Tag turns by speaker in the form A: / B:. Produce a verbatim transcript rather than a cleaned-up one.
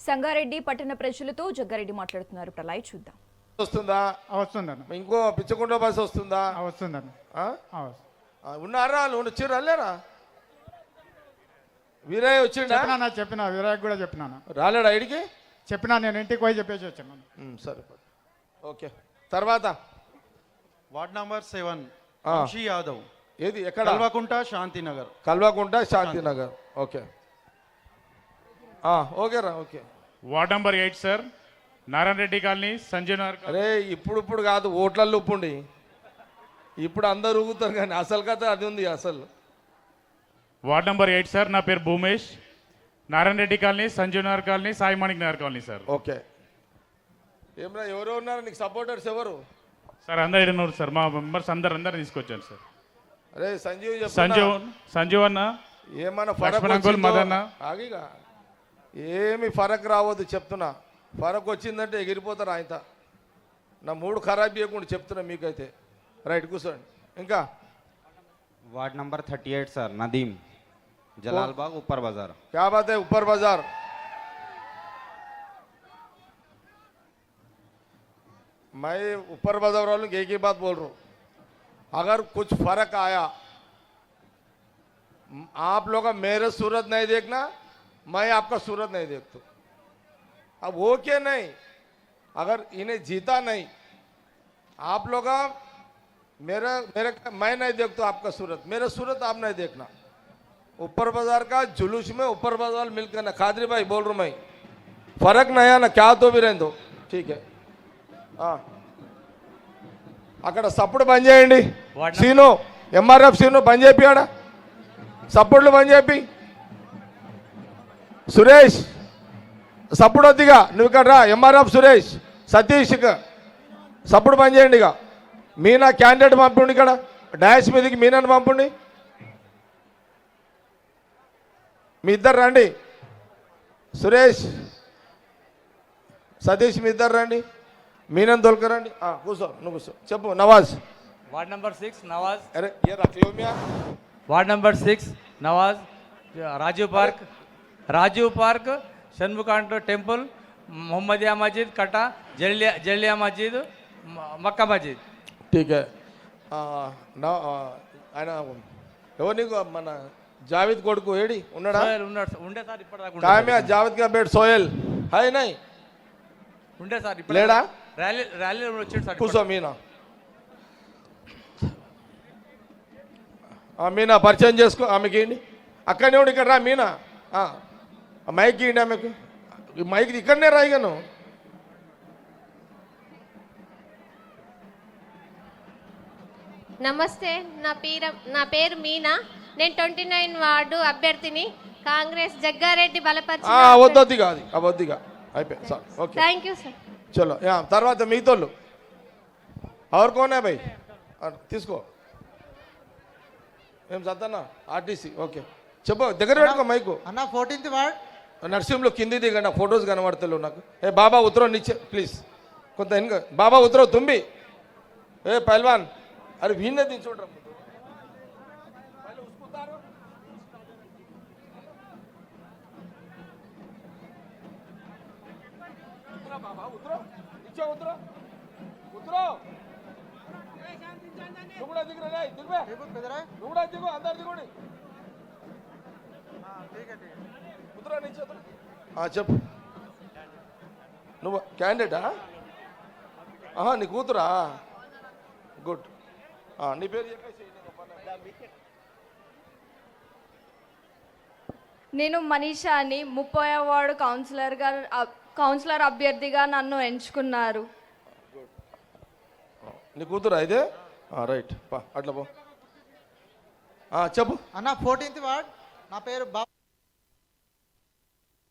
A: సంగారెడ్డి పట్టణ ప్రజలతో జగ్గారెడ్డి మాట్లాడుతున్నారు. ప్రళయ్ చూద్దాం.
B: వస్తుందా?
C: వస్తుందన్న.
B: ఇంకో పిచ్చకుండ బస్ వస్తుందా?
C: వస్తుందన్న.
B: ఉన్నారా? నువ్వు చిరు అల్లేరా? వీరయ్య వచ్చిండా?
C: చెప్పినా చెప్పిన వీరయ్య కూడా చెప్పినాను.
B: రాలేడా ఇడికి?
C: చెప్పినా నేను ఇంటికి పోయి చెప్పేసి వచ్చాను.
B: సరే ఓకే. తర్వాత
D: వార్డ్ నంబర్ సెవెన్
B: ఆ.
D: వంశీ యాదవ్.
B: ఏది ఎక్కడ?
D: కల్వకుంట శాంతినగర్.
B: కల్వకుంట శాంతినగర్. ఓకే ఓకే రా. Okay.
E: Ward number eight sir, Narayana Reddy colony, Sanjay Nagar.
B: అరే ఇప్పుడు ఇప్పుడు కాదు, ఓట్లల్లో ఉప్పుండి. ఇప్పుడు అందరు ఊగుతారు కానీ అసలు కథ అది ఉంది. అసలు
E: వార్డ్ నంబర్ ఎయిట్ సార్, నా పేరు Bhumesh, Narayana Reddy colony, Sanjay Nagar colony, Sai Manik Nagar colony sir.
B: Okay. ఏమన్నా ఎవరో ఉన్నారు నీకు సపోర్టర్స్? ఎవరు
E: సార్? అందరు ఇడనూరు సార్, మా మెంబర్స్ అందరు అందరు తీసుకొచ్చాను సార్.
B: అరే సంజీవ్ చెప్పు.
E: సంజీవ్ సంజీవ్ అన్న,
B: ఏమన్నా
E: లక్ష్మణ్ అంకుల్, మదన్న.
B: ఆగిగా ఏమి ఫరక్ రావద్దు చెప్తున్నా. ఫరక్ వచ్చిందంటే ఎగిరిపోతారు ఆయన. నా మూడు ఖరాబ్ చేయకుండా చెప్తున్నా మీకైతే. రైట్, కూర్చోండి. ఇంకా
F: ward number thirty eight sir, Nadeem, Jalalbagh, ऊपर बाजार.
B: क्या बात है? ऊपर बाजार. मैं ऊपर बाजार वालों की एक ही बात बोल रहा हूँ, अगर कुछ फर्क आया, आप लोग का मेरे सूरत नहीं देखना, मैं आपका सूरत नहीं देखता. अब वो क्या नहीं, अगर इन्हें जीता नहीं, आप लोग मेरा मेरे मैं नहीं देखता आपका सूरत, मेरा सूरत आप नहीं देखना. ऊपर बाजार का जुलूस में ऊपर बाजार मिलकर ना. खादरी भाई बोल रहा हूँ मैं, फर्क नहीं आना, क्या तो भी रहने दो. ठीक है. అక్కడ సప్పుడు బంద్ చేయండి. సీను ఎంఆర్ఎఫ్ సీను బంద్ చేపి, ఆడ సప్పుడులు బంద్ చేపి. సురేష్ సప్పుడు వద్దిగా, నువ్వు ఇక్కడ రా. ఎంఆర్ఎఫ్ సురేష్, సతీష్ సప్పుడు బంద్ చేయండి. ఇక మీనా క్యాండిడేట్ పంపండి, ఇక్కడ డాష్ మీదకి మీనాను పంపండి. మీ ఇద్దరు రండి. సురేష్ సతీష్ మీ ఇద్దరు రండి. మీనన్ తోలుకరండి. కూర్చో, నువ్వు కూర్చో. చెప్పు Nawaz.
G: Ward number six Nawaz.
B: अरे ये रख लो मियां.
G: Ward number six Nawaz, Rajiv park, Rajiv park, शनमुकांड टेम्पल, मोहम्मदिया मस्जिद, कटा, जलिया जलिया मस्जिद, मक्का मस्जिद.
B: ठीक है. నా ఆయన ఎవరు నీకు? మన జావేద్ కొడుకు ఏడి ఉన్నాడా?
G: సోయల్ ఉన్నాడు, ఉండే సార్ ఇప్పటిదాకా.
B: కామ్యా జావేద్ కా బేట్ సోయల్ హై నై
G: ఉండే సార్ ఇప్పుడు
B: లేడా?
G: ర్యాలీ ర్యాలీ వచ్చాడు సార్.
B: కూర్చో మీనా. మీనా పరిచయం చేసుకో. ఆమెకి ఏంటి అక్కడనే ఉండి ఇక్కడ రా. మీనా మైక్ ఇవ్వండి ఆమెకు. మైక్ ఇక్కడనే రాయిగాను.
H: నమస్తే, నా పేరు నా పేరు మీనా. నేను ట్వంటీ నైన్ వార్డు అభ్యర్థిని. కాంగ్రెస్ జగ్గారెడ్డి బలపరిచి.
B: వద్దొద్ది కాదు, అవద్దిగా అయిపోయింది sir. Okay,
H: thank you sir.
B: చలో. తర్వాత మిగతాళ్ళు ఎవరు కోనే భాయ్ తీసుకో. ఏం చద్దన్నా? ఆర్టీసీ. ఓకే చెప్పు, దగ్గర పెట్టుకో మైకు.
D: అన్న ఫోర్టీన్త్ వార్డ్
B: నర్సింహ్లో కింది దిగండి, ఫొటోస్ కనబడతలేవు నాకు. ఏ బాబా ఉత్తరవు నిచ్చే ప్లీజ్, కొంత వెనుక. బాబా ఉత్తరవు తుంబి. ఏ పైల్వాన్, అరే వీణ్ణే దించుంటారు. बाबा उतरो, नीचे उतरो, उतरो. नुगड़ा दिख रहा है, दिख बे. नुगड़ा दिखो, अंदर दिखो नहीं. हाँ ठीक है ठीक है. उतरो नीचे उतरो. हाँ चप. నువ్వు క్యాండిడేటా? ఆహా నీ కూతురా? గుడ్. నీ పేరు చెప్పేసి.
I: నేను మనీషా అని, ముప్పై వార్డు కౌన్సిలర్గా కౌన్సిలర్ అభ్యర్థిగా నన్ను ఎంచుకున్నారు.
B: నీ కూతురా ఇదే? రైట్ పా, అట్లా పో. చెప్పు
D: అన్న ఫోర్టీన్త్ వార్డ్, నా పేరు బా